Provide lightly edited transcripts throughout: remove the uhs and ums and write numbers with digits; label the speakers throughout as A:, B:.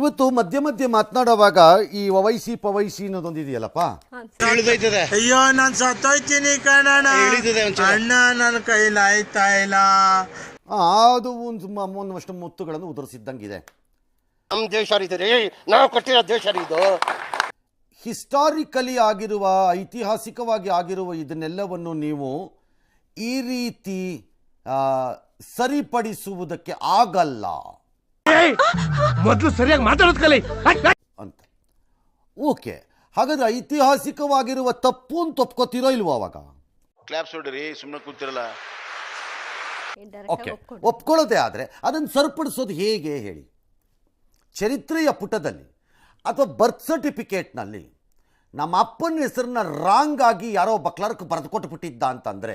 A: ಇವತ್ತು ಮಧ್ಯೆ ಮಧ್ಯೆ ಮಾತನಾಡುವಾಗ ಈ ಒವೈಸಿ ಪವೈಸಿ ಅನ್ನೋದೊಂದು ಇದೆಯಲ್ಲಪ್ಪ,
B: ಅಯ್ಯೋ ನಾನು ಸತ್ತೋಯ್ತೀನಿ ಕಣಣ್ಣ, ಅಣ್ಣ ನನ್ನ ಕೈಲಾಯ್ತಾ ಇಲ್ಲ.
A: ಅದು ಒಂದಷ್ಟು ಮುತ್ತುಗಳನ್ನು ಉದುರಿಸಿದ್ದಂಗಿದೆ.
C: ನಮ್ಮ ದೇಶ ರೀ, ನಾವು ಕೊಟ್ಟಿರೋ ದೇಶ ಇದು.
A: ಹಿಸ್ಟಾರಿಕಲಿ ಆಗಿರುವ, ಐತಿಹಾಸಿಕವಾಗಿ ಆಗಿರುವ ಇದನ್ನೆಲ್ಲವನ್ನು ನೀವು ಈ ರೀತಿ ಸರಿಪಡಿಸುವುದಕ್ಕೆ ಆಗಲ್ಲ
D: ಮೊದಲು ಸರಿಯಾಗಿ ಮಾತಾಡೋದು ಕಲಿ
A: ಅಂತ. ಓಕೆ, ಹಾಗಾದ್ರೆ ಐತಿಹಾಸಿಕವಾಗಿರುವ ತಪ್ಪು ಅಂತ ಒಪ್ಕೋತಿರೋ ಇಲ್ವೋ? ಅವಾಗ
E: ಕ್ಲಾಪ್ಸ್ ಹೊಡ್ರಿ, ಸುಮ್ಮನೆ ಕೂತಿರಲ್ಲ.
A: ಓಕೆ, ಒಪ್ಕೊಳ್ಳೋದೇ ಆದರೆ ಅದನ್ನು ಸರಿಪಡಿಸೋದು ಹೇಗೆ ಹೇಳಿ? ಚರಿತ್ರೆಯ ಪುಟದಲ್ಲಿ ಅಥವಾ ಬರ್ತ್ ಸರ್ಟಿಫಿಕೇಟ್ನಲ್ಲಿ ನಮ್ಮ ಅಪ್ಪನ ಹೆಸರನ್ನ ರಾಂಗ್ ಆಗಿ ಯಾರೋ ಒಬ್ಬ ಕ್ಲರ್ಕ್ ಬರೆದು ಕೊಟ್ಟುಬಿಟ್ಟಿದ್ದ ಅಂತಂದರೆ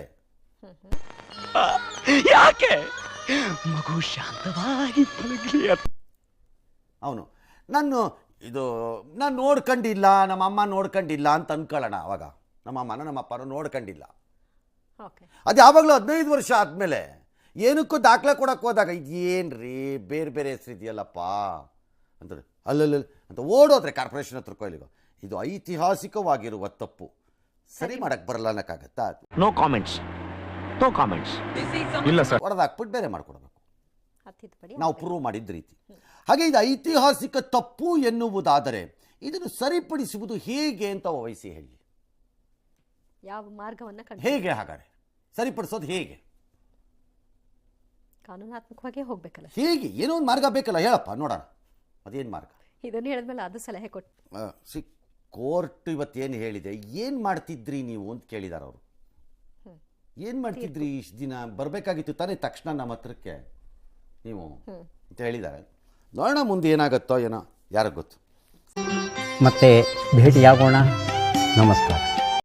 D: ಯಾಕೆ ಮಗು ಶಾಂತವಾಗಿ
A: ಅವನು ನಾನು ನೋಡ್ಕೊಂಡಿಲ್ಲ, ನಮ್ಮ ಅಮ್ಮ ನೋಡ್ಕೊಂಡಿಲ್ಲ ಅಂತ ಅನ್ಕೊಳ್ಳೋಣ. ಅವಾಗ ನಮ್ಮ ಅಮ್ಮನ ನಮ್ಮ ಅಪ್ಪನ ನೋಡ್ಕೊಂಡಿಲ್ಲ. ಅದು ಯಾವಾಗಲೂ 15 ವರ್ಷ ಆದಮೇಲೆ ಏನಕ್ಕೂ ದಾಖಲೆ ಕೊಡೋಕೆ ಹೋದಾಗ ಇದೇನ್ರಿ ಬೇರೆ ಬೇರೆ ಹೆಸರು ಇದೆಯಲ್ಲಪ್ಪ ಅಂತ ಅಲ್ಲಲ್ಲ ಅಂತ ಓಡೋದ್ರೆ ಕಾರ್ಪೊರೇಷನ್ ಹತ್ರ ಕೊಯ್ಲಿಗೋ. ಇದು ಐತಿಹಾಸಿಕವಾಗಿರುವ ತಪ್ಪು, ಸರಿ ಮಾಡಕ್ಕೆ ಬರಲ್ಲ ಅನ್ನೋಕ್ಕಾಗತ್ತಾ?
D: No comments, no comments. ಇಲ್ಲ ಸರ್,
A: ಹೊಡೆದಾಕ್ಬಿಟ್ಟು ಬೇರೆ ಮಾಡ್ಕೊಡ್ಬೇಕು, ನಾವು ಪ್ರೂವ್ ಮಾಡಿದ ರೀತಿ. ಹಾಗೆ ಇದು ಐತಿಹಾಸಿಕ ತಪ್ಪು ಎನ್ನುವುದಾದರೆ ಇದನ್ನು ಸರಿಪಡಿಸುವುದು ಹೇಗೆ ಅಂತ ವಹಿಸಿ ಹೇಳಿ.
F: ಯಾವ ಮಾರ್ಗವನ್ನು
A: ಹೇಗೆ ಹಾಗಾದ್ರೆ ಸರಿಪಡಿಸೋದು ಹೇಗೆ?
F: ಕಾನೂನಾತ್ಮಕವಾಗಿ ಹೋಗ್ಬೇಕಲ್ಲ.
A: ಹೇಗೆ? ಏನೋ ಒಂದು ಮಾರ್ಗ ಬೇಕಲ್ಲ, ಹೇಳಪ್ಪ ನೋಡೋಣ. ಅದೇನು ಮಾರ್ಗ?
F: ಇದನ್ನು ಹೇಳಿದ್ಮೇಲೆ ಅದು ಸಲಹೆ ಕೊಟ್ಟು
A: ಕೋರ್ಟ್ ಇವತ್ತೇನು ಹೇಳಿದೆ, ಏನು ಮಾಡ್ತಿದ್ರಿ ನೀವು ಅಂತ ಕೇಳಿದಾರೆ ಅವರು. ಏನು ಮಾಡ್ತಿದ್ರಿ ಇಷ್ಟು ದಿನ? ಬರಬೇಕಾಗಿತ್ತು ತಾನೇ ತಕ್ಷಣ ನಮ್ಮ ಹತ್ರಕ್ಕೆ ನೀವು ಅಂತ ಹೇಳಿದ್ದಾರೆ. ನೋಡೋಣ ಮುಂದೆ ಏನಾಗುತ್ತೋ ಏನೋ, ಯಾರಿಗೆ ಗೊತ್ತು.
G: ಮತ್ತೆ ಭೇಟಿಯಾಗೋಣ. ನಮಸ್ಕಾರ.